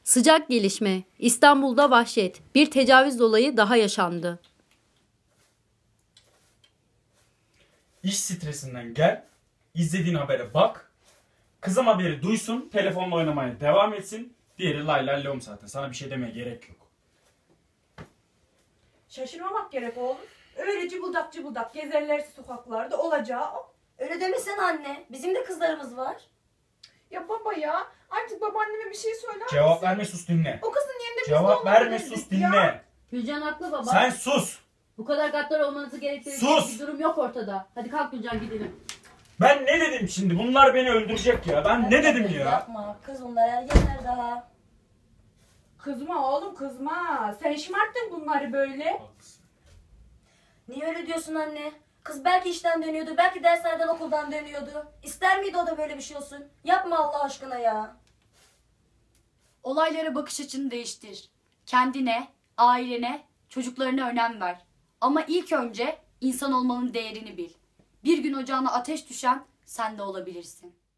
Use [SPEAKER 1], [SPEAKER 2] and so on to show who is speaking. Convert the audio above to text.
[SPEAKER 1] Sıcak gelişme. İstanbul'da vahşet. Bir tecavüz olayı daha yaşandı.
[SPEAKER 2] İş stresinden gel, izlediğin habere bak, kızım haberi duysun, telefonla oynamaya devam etsin. Diğeri lay lay lom zaten. Sana bir şey demeye gerek yok.
[SPEAKER 3] Şaşırmamak gerek oğlum. Öyle cıbıldak cıbıldak gezerlerse sokaklarda olacağı o.
[SPEAKER 4] Öyle demesene anne. Bizim de kızlarımız var.
[SPEAKER 3] Ya baba ya artık babaanneme bir şey söyler misin?
[SPEAKER 2] Cevap verme, sus dinle.
[SPEAKER 3] O kızın yerinde biz de
[SPEAKER 2] Cevap verme,
[SPEAKER 3] olabilirdik
[SPEAKER 2] sus
[SPEAKER 3] ya.
[SPEAKER 2] dinle.
[SPEAKER 1] Gülcan haklı baba.
[SPEAKER 2] Sen sus.
[SPEAKER 1] Bu kadar gaddar olmanızı gerektirecek
[SPEAKER 2] Sus!
[SPEAKER 1] bir durum yok ortada. Hadi kalk Gülcan gidelim.
[SPEAKER 2] Ben ne dedim şimdi? Bunlar beni öldürecek ya. Ben ne dedim ya?
[SPEAKER 4] Yapma. Kız bunlar ergenler daha.
[SPEAKER 3] Kızma oğlum kızma. Sen şımarttın bunları böyle.
[SPEAKER 4] Niye öyle diyorsun anne? Kız belki işten dönüyordu. Belki derslerden okuldan dönüyordu. İster miydi o da böyle bir şey olsun? Yapma Allah aşkına ya.
[SPEAKER 5] Olaylara bakış açını değiştir. Kendine, ailene, çocuklarına önem ver. Ama ilk önce insan olmanın değerini bil. Bir gün ocağına ateş düşen sen de olabilirsin.